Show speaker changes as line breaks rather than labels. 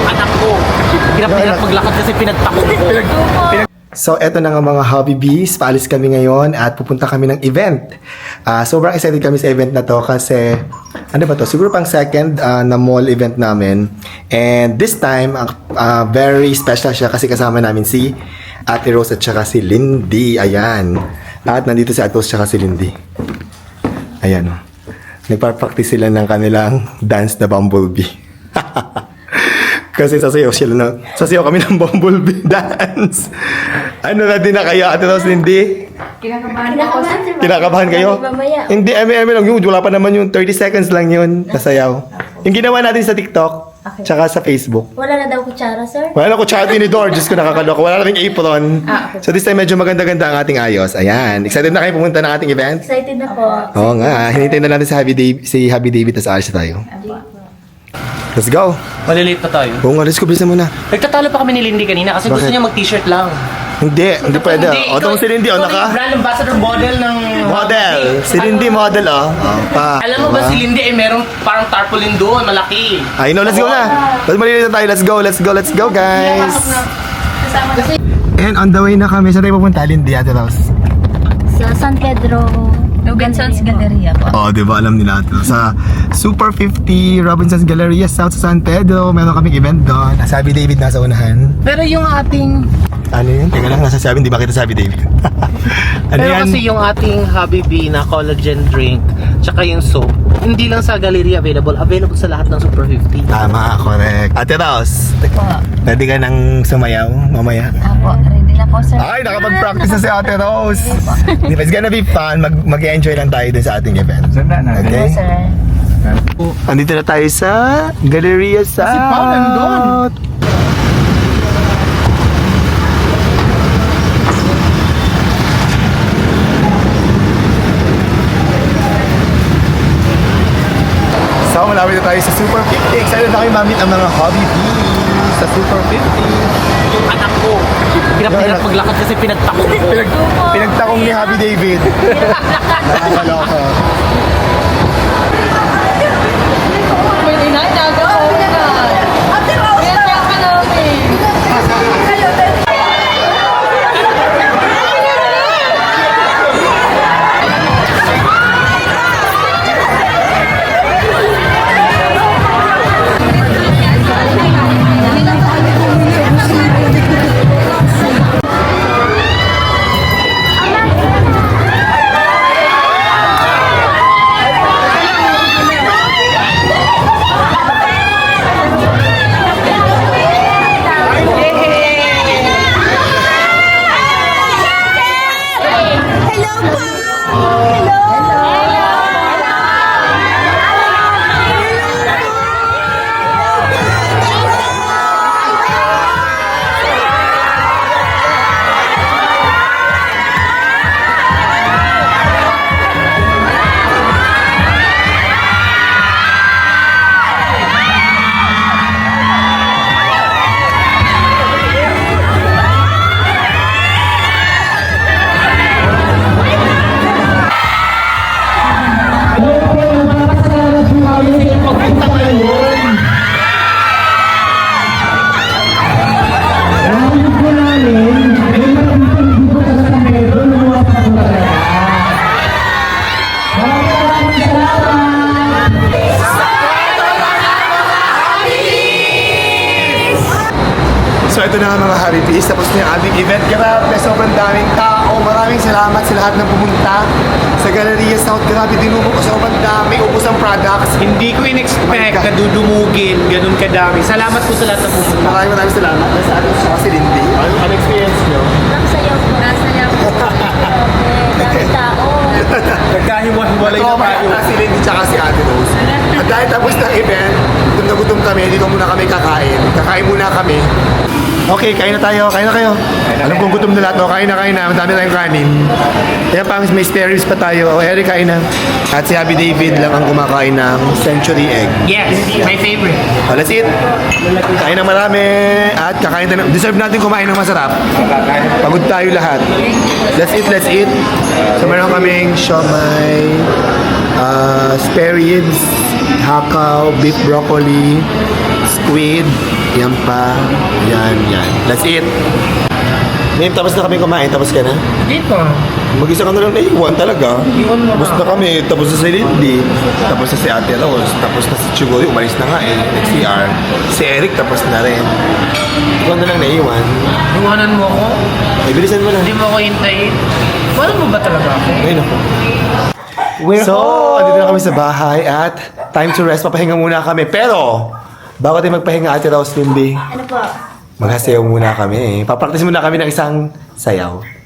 anak ko. Hirap maglakad kasi pinagtakot ko.
So, eto na nga mga Hobby Bees. Paalis kami ngayon at pupunta kami ng event. Sobrang excited kami sa event na to kasi, ano ba to? Siguro pang second na mall event namin. And this time, very special siya kasi kasama namin si Ate Rose at saka si Lindy. Ayan. At nandito si Ate Rose at saka si Lindy. Ayan o. Nagpa-practice sila ng kanilang dance na Bumblebee. Kasi sasayaw kami ng Bumblebee dance. Ano na din na kayo, Ate Rose, Lindy? Kinakabahan kayo? Hindi, eme lang yun. Wala pa naman yung 30 seconds lang yun. Nasayaw. Yung ginawa natin sa TikTok, tsaka sa Facebook.
Wala na daw kutsara, sir?
Wala na kutsara ni Dor. Diyos ko, nakakaloka. Wala na rin apron. So this time, medyo maganda-ganda ang ating ayos. Ayan. Excited na kayo pumunta ng ating event?
Excited na po.
Oo nga. Hinintay na natin si Happy David at aalis na tayo. Let's go.
Malilate pa tayo.
Oo nga, let's go. Bilisan muna.
Nagtatalo pa kami ni Lindy kanina kasi gusto
Bakit?
niya mag-t-shirt lang.
Hindi pwede. O, ito si Lindy, o,
ikaw
naka?
yung brand ambassador model ng...
Model. Si Lindy model, o.
Alam mo ba si Lindy ay merong parang tarpaulin doon, malaki.
Ay, no, let's go na. Let's malilito tayo. Let's go, guys. And on the way na kami. Saan tayo pupunta, Lindy, Ate Rose?
Sa San Pedro Robinson's Galleria po.
Oh, di ba alam nila ito? Sa Super 50 Robinson's Galleria South sa San Pedro. Meron kaming event doon. Sabi David nasa unahan.
Pero yung ating...
Ano yun? Teka lang, nasa sabi. Hindi ba kita sabi David? Ano
Pero
yan?
kasi yung ating Habibi na collagen drink, tsaka yung soap, hindi lang sa gallery available sa lahat ng Super 50.
Tama, correct. Ate Rose,
Po.
ready ka nang sumayaw mamaya?
Apo, ready na po, sir.
Ay, nakapag-practice na si Ate Rose. It's gonna be fun. Mag-enjoy lang tayo dun sa ating event. Okay?
Sir.
Andito na tayo sa Galleria South.
Si Paul nandun.
So, malapit na tayo sa Super 50. Excited na kayo mamit ang mga Hobby Bees sa Super 50.
Anak ko. Hirap maglakad kasi pinagtakot ko.
Pinagtakong ni Happy David. Nakakaloka.
May inagaw ko na. Kaya ka namin.
So ito na nga mga Happy Bees, tapos na yung ating event. Grabe, sobrang daming tao. Maraming salamat sa lahat ng pumunta sa Galleria South. Grabe, dinumo ko sobrang dami. Ubus ang products.
Hindi ko in-expect na dudumugin, ganun kadami. Salamat po sa lahat na pumunta.
Maraming salamat. Nasa atin siya si Lindy. Ano experience nyo?
Ang sayaw po. Nasayaw po. Daming tao.
Nagkahiwa-hiwalay na tayo.
Si Lindy tsaka si Ate Rose. At dahil tapos ng event, gutom na gutom kami, dito muna kami kakain. Kakain muna kami. Okay, kain na tayo. Kain na kayo. Alam kong gutom na lahat. O, kain na. Madami tayong kanin. Kaya pang may spare ribs pa tayo. O, Eric, kain na. At si Happy David lang ang kumakain ng century egg.
Yes, my favorite.
O, let's eat. Kain ng marami. At kakain tayo. Deserve natin kumain ng masarap. Pagod tayo lahat. Let's eat. So, meron kaming siomay, spare ribs, hakaw, beef broccoli, squid, Yan pa. Yan. Let's eat. Ngayon, tapos na kami kumain. Tapos ka na?
Hindi pa.
Mag-isa ka na lang naiwan talaga.
Iwan mo
Tapos
na.
na kami. Tapos na si Lindy. Tapos na si Ate Rose. Tapos na si Chuguri. Umalis na nga eh. Nag-CR. Si Eric tapos na rin. Ikaw na lang naiwan.
Iwanan mo ako?
Ay, bilisan mo na.
Hindi mo ako hintayin? Paano mo ba talaga ako?
Ayun ako. So, andito na kami sa bahay at time to rest. Papahinga muna kami. Pero, bago tayo magpahinga, Ate Rose, Lindy,
Ano po?
maghasayaw muna kami. Papraktis muna kami ng isang sayaw.